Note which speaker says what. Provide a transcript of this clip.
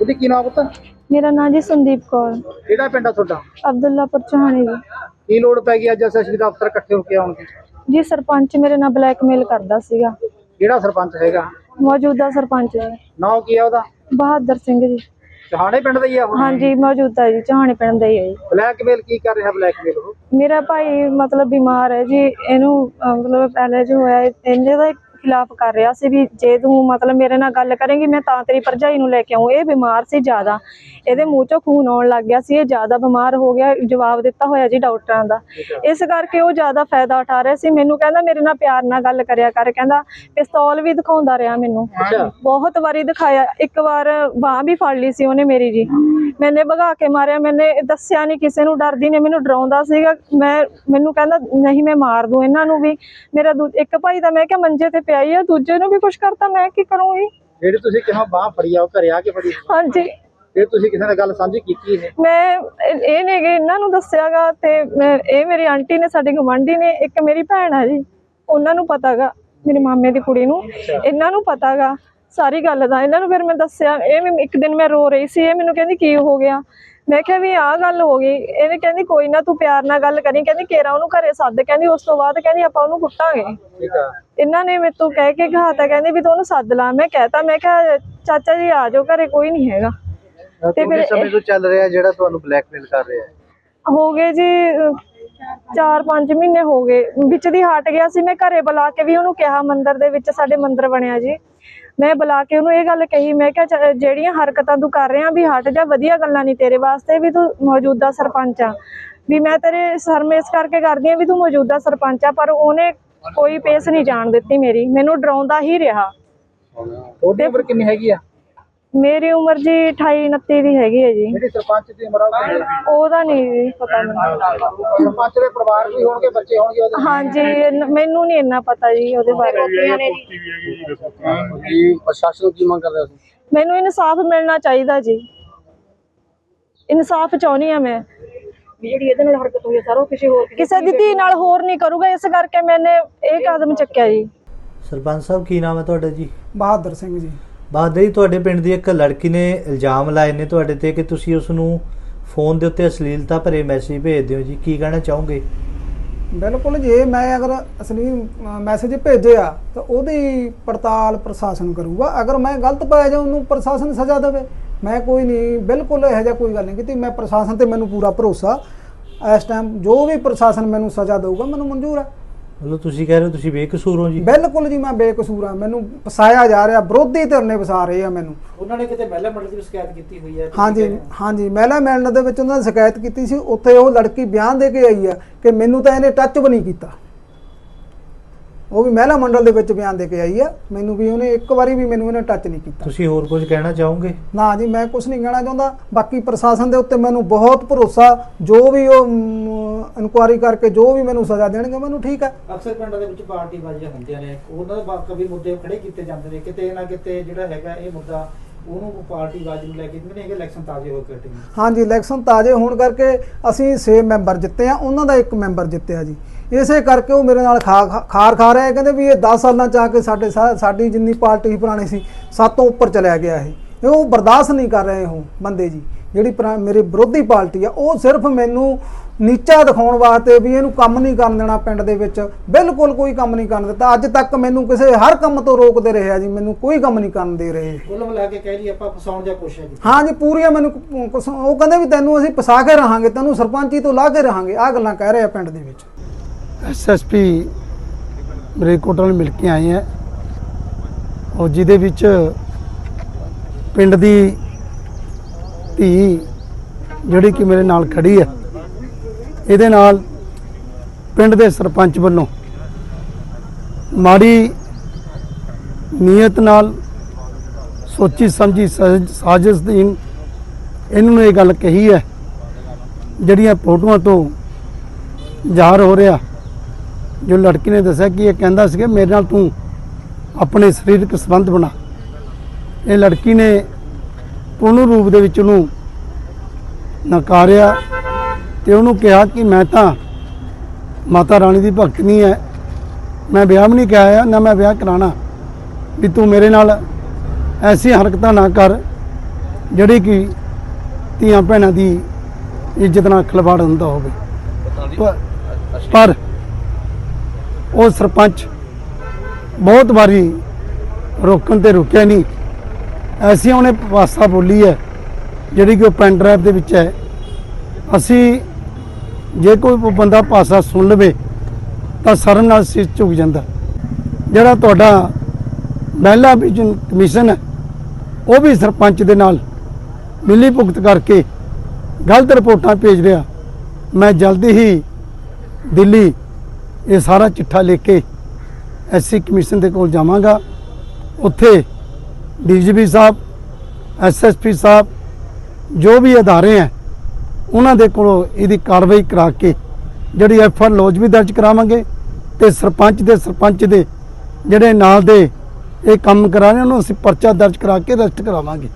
Speaker 1: बंदी की नाम पता?
Speaker 2: मेरा नाम जी संदीप कौर,
Speaker 1: ਕਿਹੜਾ ਪਿੰਡ ਆ ਤੁਹਾਡਾ?
Speaker 2: अब्दुल्लापुर चौहानी जी।
Speaker 1: ਕੀ ਲੋੜ ਪੈ ਗਈ ਅੱਜ ਐਸਐਸਪੀ ਦਾ ਅਫਸਰ ਇਕੱਠੇ ਹੋ ਕੇ ਆਉਣ ਦੀ?
Speaker 2: जी सरपंच मेरे नाल ब्लैकमेल करदा सीगा।
Speaker 1: ਕਿਹੜਾ ਸਰਪੰਚ ਹੈਗਾ?
Speaker 2: मौजूदा सरपंच जी
Speaker 1: ਨਾਮ ਕੀ ਆ ਉਹਦਾ?
Speaker 2: बहादुर सिंह जी।
Speaker 1: ਚਹਾਣੇ ਪਿੰਡ ਦਾ ਹੀ ਆ ਉਹ?
Speaker 2: हाँ जी मौजूदा जी चौहानी पिंड दा ही है जी।
Speaker 1: ਬਲੈਕਮੇਲ ਕੀ ਕਰ ਰਿਹਾ ਬਲੈਕਮੇਲ ਉਹ?
Speaker 2: मेरा भाई मतलब बीमार है जी, इनू मतलब पहले जो होया इन्ने दा खिलाफ कर रहा सी भी जे तू मतलब मेरे नाल गल करेंगी मैं तां तेरी भरजाई नूं लेके आऊं। ये बीमार सी ज्यादा, ਇਹਦੇ ਮੂੰਹ ਚੋਂ ਖੂਨ ਆਉਣ ਲੱਗ ਗਿਆ ਸੀ, ਇਹ ਜ਼ਿਆਦਾ ਬਿਮਾਰ ਹੋ ਗਿਆ। ਜਵਾਬ ਦਿੱਤਾ ਹੋਇਆ ਜੀ ਡਾਕਟਰਾਂ ਦਾ, ਇਸ ਕਰਕੇ ਉਹ ਜ਼ਿਆਦਾ ਫਾਇਦਾ ਉਠਾ ਰਿਹਾ ਸੀ। ਮੈਨੂੰ ਕਹਿੰਦਾ ਮੇਰੇ ਨਾਲ ਪਿਆਰ ਨਾਲ ਗੱਲ ਕਰਿਆ ਕਰ, ਕਹਿੰਦਾ ਪਿਸਤੌਲ ਵੀ ਦਿਖਾਉਂਦਾ ਰਿਹਾ ਮੈਨੂੰ, ਬਹੁਤ ਵਾਰੀ ਦਿਖਾਇਆ। ਇੱਕ ਵਾਰ ਬਾਂਹ ਵੀ ਫੜ ਲਈ ਸੀ ਉਹਨੇ ਮੇਰੀ ਜੀ, ਮੈਨੇ ਭਗਾ ਕੇ ਮਾਰਿਆ। ਮੈਨੇ ਦੱਸਿਆ ਨਹੀਂ ਕਿਸੇ ਨੂੰ, ਡਰਦੀ ਨੇ, ਮੈਨੂੰ ਡਰਾਉਂਦਾ ਸੀਗਾ। ਮੈਨੂੰ ਕਹਿੰਦਾ ਨਹੀਂ ਮੈਂ ਮਾਰ ਦੂੰ ਇਹਨਾਂ ਨੂੰ ਵੀ। ਮੇਰਾ ਇੱਕ ਭਾਈ ਦਾ ਮੈਂ ਕਿਹਾ ਮੰਜੇ ਤੇ ਪਿਆ ਹੀ ਆ, ਦੂਜੇ ਨੂੰ ਵੀ ਕੁਛ ਕਰਤਾ, ਮੈਂ ਕੀ ਕਰੂੰਗੀ।
Speaker 1: ਜਿਹੜੀ ਤੁਸੀਂ ਕਿਹਾ ਬਾਂਹ ਫੜੀ ਆ ਉਹ ਘਰੇ ਆ ਕੇ ਫੜੀ?
Speaker 2: ਹਾਂਜੀ।
Speaker 1: ਫਿਰ ਤੁਸੀਂ ਕਿਸੇ ਨਾਲ ਗੱਲ ਸਾਂਝੀ ਕੀਤੀ?
Speaker 2: ਮੈਂ ਇਹ ਨੇ ਇਹਨਾਂ ਨੂੰ ਦੱਸਿਆਗਾ, ਤੇ ਇਹ ਮੇਰੀ ਆਂਟੀ ਨੇ, ਸਾਡੀ ਗਵਾਂਢੀ ਨੇ, ਇੱਕ ਮੇਰੀ ਭੈਣ ਆ ਜੀ, ਉਹਨਾਂ ਨੂੰ ਪਤਾਗਾ, ਮੇਰੇ ਮਾਮੇ ਦੀ ਕੁੜੀ ਨੂੰ, ਇਹਨਾਂ ਨੂੰ ਪਤਾਗਾ ਸਾਰੀ ਗੱਲ ਦਾ। ਇਹਨਾਂ ਨੂੰ ਫਿਰ ਮੈਂ ਦੱਸਿਆ। ਇਹ ਇੱਕ ਦਿਨ ਮੈਂ ਰੋ ਰਹੀ ਸੀ, ਇਹ ਮੈਨੂੰ ਕਹਿੰਦੀ ਕੀ ਹੋ ਗਿਆ? ਮੈਂ ਕਿਹਾ ਵੀ ਆਹ ਗੱਲ ਹੋ ਗਈ। ਇਹਨੇ ਕਹਿੰਦੀ ਕੋਈ ਨਾ ਤੂੰ ਪਿਆਰ ਨਾਲ ਗੱਲ ਕਰੀ, ਕਹਿੰਦੀ ਕੇਰਾ ਉਹਨੂੰ ਘਰੇ ਸੱਦ, ਕਹਿੰਦੀ ਉਸ ਤੋਂ ਬਾਅਦ ਕਹਿੰਦੀ ਆਪਾਂ ਉਹਨੂੰ ਕੁੱਟਾਂਗੇ। ਇਹਨਾਂ ਨੇ ਮੇਰੇ ਤੋਂ ਕਹਿ ਕੇ ਘਾਤਾ, ਕਹਿੰਦੀ ਵੀ ਤੂੰ ਉਹਨੂੰ ਸੱਦ ਲਾ। ਮੈਂ ਕਹਿਤਾ, ਮੈਂ ਕਿਹਾ ਚਾਚਾ ਜੀ ਆ ਜਾਓ ਘਰੇ, ਕੋਈ ਨਹੀਂ ਹੈਗਾ।
Speaker 1: ਤੇ ਫਿਰ ਸਮੇਂ ਤੋਂ ਚੱਲ ਰਿਹਾ ਜਿਹੜਾ ਤੁਹਾਨੂੰ ਬਲੈਕਮੇਲ ਕਰ ਰਿਹਾ? ਹੋ
Speaker 2: ਗਏ ਜੀ 4-5 ਮਹੀਨੇ ਹੋ ਗਏ। ਵਿੱਚ ਦੀ ਹਟ ਗਿਆ ਸੀ। ਮੈਂ ਘਰੇ ਬੁਲਾ ਕੇ ਵੀ ਉਹਨੂੰ ਕਿਹਾ, ਮੰਦਿਰ ਦੇ ਵਿੱਚ ਸਾਡੇ ਮੰਦਿਰ ਬਣਿਆ ਜੀ, ਮੈਂ ਬੁਲਾ ਕੇ ਉਹਨੂੰ ਇਹ ਗੱਲ ਕਹੀ, ਮੈਂ ਕਿਹਾ ਜਿਹੜੀਆਂ ਹਰਕਤਾਂ ਤੂੰ ਕਰ ਰਿਹਾ ਵੀ ਹਟ ਜਾ, ਵਧੀਆ ਗੱਲਾਂ ਨਹੀਂ ਤੇਰੇ ਵਾਸਤੇ, ਵੀ ਤੂੰ ਮੌਜੂਦਾ ਸਰਪੰਚ ਆ, ਵੀ ਮੈਂ ਤੇਰੇ ਸਰਮੇਸ ਕਰਕੇ ਕਰਦੀ ਆ ਵੀ ਤੂੰ ਮੌਜੂਦਾ ਸਰਪੰਚ ਆ। ਪਰ ਉਹਨੇ ਕੋਈ ਪੇਸ ਨਹੀਂ ਜਾਣ ਦਿੱਤੀ ਮੇਰੀ, ਮੈਨੂੰ ਡਰਾਉਂਦਾ ਹੀ ਰਿਹਾ।
Speaker 1: ਉਹਦੀ ਉਮਰ ਕਿੰਨੀ ਹੈਗੀ ਆ?
Speaker 2: ਮੇਰੀ ਉਮਰ ਜੀ 28-29 ਦੀ ਹੈਗੀ ਹੈ ਜੀ।
Speaker 1: ਜਿਹੜੀ ਸਰਪੰਚ ਦੀ ਉਮਰ
Speaker 2: ਉਹਦਾ ਨਹੀਂ ਪਤਾ ਮੈਨੂੰ।
Speaker 1: ਸਰਪੰਚ ਦੇ ਪਰਿਵਾਰ ਵੀ ਹੋਣਗੇ, ਬੱਚੇ ਹੋਣਗੇ ਉਹਦੇ?
Speaker 2: ਹਾਂਜੀ, ਮੈਨੂੰ ਨਹੀਂ ਇੰਨਾ ਪਤਾ ਜੀ ਉਹਦੇ ਬਾਰੇ।
Speaker 1: ਜੀ ਪ੍ਰਸ਼ਾਸਨ ਕੀ ਮੰਗ ਕਰ ਰਿਹਾ ਸੀ?
Speaker 2: ਮੈਨੂੰ ਇਨਸਾਫ ਮਿਲਣਾ ਚਾਹੀਦਾ ਜੀ, ਇਨਸਾਫ ਚਾਹੁੰਦੀ ਆ ਮੈਂ। ਜਿਹੜੀ ਇਹਦੇ ਨਾਲ ਹਰਕਤ ਹੋਈ ਹੈ ਸਾਰਾ ਕਿਸੇ ਦੀ ਧੀ ਨਾਲ ਹੋਰ ਨਹੀਂ ਕਰੂਗਾ, ਇਸ ਕਰਕੇ ਮੈਨੇ ਇਹ ਕਦਮ ਚੱਕਿਆ ਜੀ।
Speaker 3: ਸਰਪੰਚ ਸਾਹਿਬ ਕੀ ਨਾਮ ਹੈ ਤੁਹਾਡਾ ਜੀ?
Speaker 4: ਬਹਾਦਰ ਸਿੰਘ ਜੀ।
Speaker 3: ਬਹਾਦਰ ਜੀ, ਤੁਹਾਡੇ ਪਿੰਡ ਦੀ ਇੱਕ ਲੜਕੀ ਨੇ ਇਲਜ਼ਾਮ ਲਾਏ ਨੇ ਤੁਹਾਡੇ ਤੇ ਕਿ ਤੁਸੀਂ ਉਸ ਨੂੰ ਫੋਨ ਦੇ ਉੱਤੇ ਅਸ਼ਲੀਲਤਾ ਭਰੇ ਮੈਸੇਜ ਭੇਜਦੇ ਹੋ ਜੀ, ਕੀ ਕਹਿਣਾ ਚਾਹੋਗੇ?
Speaker 4: ਬਿਲਕੁਲ, ਜੇ ਮੈਂ ਅਗਰ ਅਸਲੀ ਮੈਸੇਜ ਭੇਜਿਆ ਤਾਂ ਉਹਦੀ ਪੜਤਾਲ ਪ੍ਰਸ਼ਾਸਨ ਕਰੂਗਾ। ਅਗਰ ਮੈਂ ਗਲਤ ਪਾਇਆ ਜਾਂ ਉਹਨੂੰ ਪ੍ਰਸ਼ਾਸਨ ਸਜ਼ਾ ਦੇਵੇ। ਮੈਂ ਕੋਈ ਨਹੀਂ, ਬਿਲਕੁਲ ਇਹੋ ਜਿਹਾ ਕੋਈ ਗੱਲ ਨਹੀਂ ਕੀਤੀ। ਮੈਂ ਪ੍ਰਸ਼ਾਸਨ ਤੇ ਮੈਨੂੰ ਪੂਰਾ ਭਰੋਸਾ। ਇਸ ਟਾਈਮ ਜੋ ਵੀ ਪ੍ਰਸ਼ਾਸਨ ਮੈਨੂੰ ਸਜ਼ਾ ਦੇਊਗਾ ਮੈਨੂੰ ਮਨਜ਼ੂਰ ਹੈ।
Speaker 3: ਮਤਲਬ ਤੁਸੀਂ ਕਹਿ ਰਹੇ ਹੋ ਤੁਸੀਂ ਬੇਕਸੂਰ ਹੋ ਜੀ?
Speaker 4: ਬਿਲਕੁਲ ਜੀ, ਮੈਂ ਬੇਕਸੂਰ ਹਾਂ। ਮੈਨੂੰ ਫਸਾਇਆ ਜਾ ਰਿਹਾ, ਵਿਰੋਧੀ ਧਿਰ ਨੇ ਫਸਾ ਰਹੇ ਆ ਮੈਨੂੰ।
Speaker 1: ਉਹਨਾਂ ਨੇ ਕਿਤੇ ਮਹਿਲਾ ਮੰਡਲ ਦੀ ਸ਼ਿਕਾਇਤ ਕੀਤੀ ਹੋਈ ਹੈ?
Speaker 4: ਹਾਂਜੀ, ਮਹਿਲਾ ਮੰਡਲ ਦੇ ਵਿੱਚ ਉਹਨਾਂ ਨੇ ਸ਼ਿਕਾਇਤ ਕੀਤੀ ਸੀ। ਉੱਥੇ ਉਹ ਲੜਕੀ ਬਿਆਨ ਦੇ ਕੇ ਆਈ ਆ ਕਿ ਮੈਨੂੰ ਤਾਂ ਇਹਨੇ ਟੱਚ ਵੀ ਨਹੀਂ ਕੀਤਾ। ਉਹ ਵੀ ਮਹਿਲਾ ਮੰਡਲ ਦੇ ਵਿੱਚ ਬਿਆਨ ਦੇ ਕੇ ਆਈ ਆ, ਮੈਨੂੰ ਵੀ ਉਹਨੇ ਇੱਕ ਵਾਰੀ ਵੀ ਮੈਨੂੰ ਇਹਨੇ ਟੱਚ ਨਹੀਂ ਕੀਤਾ।
Speaker 3: ਤੁਸੀਂ ਹੋਰ ਕੁਝ ਕਹਿਣਾ ਚਾਹੋਗੇ?
Speaker 4: ਨਾ ਜੀ, ਮੈਂ ਕੁਝ ਨਹੀਂ ਕਹਿਣਾ ਚਾਹੁੰਦਾ। ਬਾਕੀ ਪ੍ਰਸ਼ਾਸਨ ਦੇ ਉੱਤੇ ਮੈਨੂੰ ਬਹੁਤ ਭਰੋਸਾ, ਜੋ ਵੀ ਉਹ ਇਨਕੁਆਇਰੀ ਕਰਕੇ ਜੋ ਵੀ ਮੈਨੂੰ ਸਜ਼ਾ ਦੇਣਗੇ ਮੈਨੂੰ ਠੀਕ ਹੈ।
Speaker 1: ਅਕਸਰ ਪਿੰਡਾਂ ਦੇ ਵਿੱਚ ਪਾਰਟੀ ਬਾਜ਼ੀਆਂ ਹੁੰਦੀਆਂ ਨੇ, ਉਹਨਾਂ ਦੇ ਕਈ ਮੁੱਦੇ ਖੜੇ ਕੀਤੇ ਜਾਂਦੇ ਨੇ, ਕਿਤੇ ਨਾ ਕਿਤੇ ਜਿਹੜਾ ਹੈਗਾ ਇਹ ਮੁੱਦਾ ਉਹਨੂੰ ਪਾਰਟੀ ਬਾਜ਼ੀ ਨੂੰ ਲੈ ਕੇ ਜਿਵੇਂ ਇਲੈਕਸ਼ਨ ਤਾਜ਼ੇ ਹੋ ਕੇ ਹਟੇ।
Speaker 4: ਹਾਂਜੀ, ਇਲੈਕਸ਼ਨ ਤਾਜ਼ੇ ਹੋਣ ਕਰਕੇ ਅਸੀਂ 6 ਮੈਂਬਰ ਜਿੱਤੇ ਆ, ਉਹਨਾਂ ਦਾ 1 ਮੈਂਬਰ ਜਿੱਤਿਆ ਜੀ। ਇਸੇ ਕਰਕੇ ਉਹ ਮੇਰੇ ਨਾਲ ਖਾਰ ਖਾ ਰਿਹਾ। ਕਹਿੰਦੇ ਵੀ ਇਹ 10 ਸਾਲਾਂ ਚ ਆ ਕੇ ਸਾਡੀ ਜਿੰਨੀ ਪਾਰਟੀ ਪੁਰਾਣੀ ਸੀ 7 ਤੋਂ ਉੱਪਰ ਚਲਿਆ ਗਿਆ ਇਹ ਉਹ ਬਰਦਾਸ਼ਤ ਨਹੀਂ ਕਰ ਰਹੇ। ਉਹ ਬੰਦੇ ਜੀ ਜਿਹੜੀ ਮੇਰੀ ਵਿਰੋਧੀ ਪਾਰਟੀ ਆ, ਉਹ ਸਿਰਫ ਮੈਨੂੰ ਨੀਚਾ ਦਿਖਾਉਣ ਵਾਸਤੇ ਵੀ ਇਹਨੂੰ ਕੰਮ ਨਹੀਂ ਕਰਨ ਦੇਣਾ ਪਿੰਡ ਦੇ ਵਿੱਚ। ਬਿਲਕੁਲ ਕੋਈ ਕੰਮ ਨਹੀਂ ਕਰਨ ਦਿੱਤਾ ਅੱਜ ਤੱਕ। ਮੈਨੂੰ ਕਿਸੇ ਹਰ ਕੰਮ ਤੋਂ ਰੋਕਦੇ ਰਹੇ ਆ ਜੀ, ਮੈਨੂੰ ਕੋਈ ਕੰਮ ਨਹੀਂ ਕਰਨ ਦੇ ਰਹੇ।
Speaker 1: ਕੁੱਲ ਮਿਲਾ ਕੇ ਕਹਿ ਲਈ ਆਪਾਂ ਫਸਾਉਣ ਦੀ ਕੋਸ਼ਿਸ਼ ਕੀਤੀ।
Speaker 4: ਹਾਂ ਜੀ, ਪੂਰੀਆਂ ਮੈਨੂੰ ਉਹ ਕਹਿੰਦੇ ਵੀ ਤੈਨੂੰ ਅਸੀਂ ਫਸਾ ਕੇ ਰਹਾਂਗੇ, ਤੈਨੂੰ ਸਰਪੰਚੀ ਤੋਂ ਲਾ ਕੇ ਰਹਾਂਗੇ, ਆਹ ਗੱਲਾਂ ਕਹਿ ਰਹੇ ਆ ਪਿੰਡ ਦੇ ਵਿੱਚ।
Speaker 5: ਐਸਐਸਪੀ ਮਲੇਰਕੋਟਲਾ ਨੂੰ ਮਿਲ ਕੇ ਆਏ ਆ, ਔਰ ਜਿਹਦੇ ਵਿੱਚ ਪਿੰਡ ਦੀ ਧੀ ਜਿਹੜੀ ਕਿ ਮੇਰੇ ਨਾਲ ਖੜੀ ਹੈ, ਇਹਦੇ ਨਾਲ ਪਿੰਡ ਦੇ ਸਰਪੰਚ ਵੱਲੋਂ ਮਾੜੀ ਨੀਅਤ ਨਾਲ ਸੋਚੀ ਸਮਝੀ ਸਾਜ਼ਿਸ਼ ਦੀ ਇਹਨਾਂ ਨੂੰ ਇਹ ਗੱਲ ਕਹੀ ਹੈ, ਜਿਹੜੀਆਂ ਫੋਟੋਆਂ ਤੋਂ ਜ਼ਾਹਰ ਹੋ ਰਿਹਾ। ਜੋ ਲੜਕੀ ਨੇ ਦੱਸਿਆ ਕਿ ਇਹ ਕਹਿੰਦਾ ਸੀ ਕਿ ਮੇਰੇ ਨਾਲ ਤੂੰ ਆਪਣੇ ਸਰੀਰਕ ਸੰਬੰਧ ਬਣਾ। ਇਹ ਲੜਕੀ ਨੇ ਪੂਰਨ ਰੂਪ ਦੇ ਵਿੱਚ ਉਹਨੂੰ ਨਕਾਰਿਆ ਤੇ ਉਹਨੂੰ ਕਿਹਾ ਕਿ ਮੈਂ ਤਾਂ ਮਾਤਾ ਰਾਣੀ ਦੀ ਭਗਤ ਨਹੀਂ ਹੈ, ਮੈਂ ਵਿਆਹ ਵੀ ਨਹੀਂ ਕਰਾਇਆ ਨਾ ਮੈਂ ਵਿਆਹ ਕਰਾਉਣਾ, ਵੀ ਤੂੰ ਮੇਰੇ ਨਾਲ ਐਸੀ ਹਰਕਤਾਂ ਨਾ ਕਰ ਜਿਹੜੀ ਕਿ ਧੀਆਂ ਭੈਣਾਂ ਦੀ ਇੱਜ਼ਤ ਨਾਲ ਖਿਲਵਾੜ ਹੁੰਦਾ ਹੋਵੇ। ਪਰ ਉਹ ਸਰਪੰਚ ਬਹੁਤ ਵਾਰੀ ਰੋਕਣ ਤੇ ਰੁਕਿਆ ਨਹੀਂ। ਐਸੀ ਉਹਨੇ ਭਾਸ਼ਾ ਬੋਲੀ ਹੈ ਜਿਹੜੀ ਕਿ ਉਹ ਪੈਨ ਡਰਾਈਵ ਦੇ ਵਿੱਚ ਹੈ। ਅਸੀਂ ਜੇ ਕੋਈ ਬੰਦਾ ਭਾਸ਼ਾ ਸੁਣ ਲਵੇ ਤਾਂ ਸਰਨ ਨਾਲ ਸਿਰ ਝੁਕ ਜਾਂਦਾ। ਜਿਹੜਾ ਤੁਹਾਡਾ ਮਹਿਲਾ ਵਿਜਨ ਕਮਿਸ਼ਨ ਹੈ ਉਹ ਵੀ ਸਰਪੰਚ ਦੇ ਨਾਲ ਮਿਲੀ ਭੁਗਤ ਕਰਕੇ ਗਲਤ ਰਿਪੋਰਟਾਂ ਭੇਜ ਰਿਹਾ। ਮੈਂ ਜਲਦੀ ਹੀ ਦਿੱਲੀ ਇਹ ਸਾਰਾ ਚਿੱਠਾ ਲੈ ਕੇ ਐਸਸੀ ਕਮਿਸ਼ਨ ਦੇ ਕੋਲ ਜਾਵਾਂਗਾ। ਉੱਥੇ ਡੀਜੀਪੀ ਸਾਹਿਬ, ਐਸਐਸਪੀ ਸਾਹਿਬ, ਜੋ ਵੀ ਅਦਾਰੇ ਹੈ ਉਹਨਾਂ ਦੇ ਕੋਲੋਂ ਇਹਦੀ ਕਾਰਵਾਈ ਕਰਾ ਕੇ ਜਿਹੜੀ ਐਫਆਰ ਲੌਜ ਵੀ ਦਰਜ ਕਰਾਵਾਂਗੇ ਤੇ ਸਰਪੰਚ ਦੇ ਜਿਹੜੇ ਨਾਲ ਦੇ ਇਹ ਕੰਮ ਕਰਾ ਰਹੇ ਉਹਨੂੰ ਅਸੀਂ ਪਰਚਾ ਦਰਜ ਕਰਾ ਕੇ ਅਰੈਸਟ ਕਰਾਵਾਂਗੇ।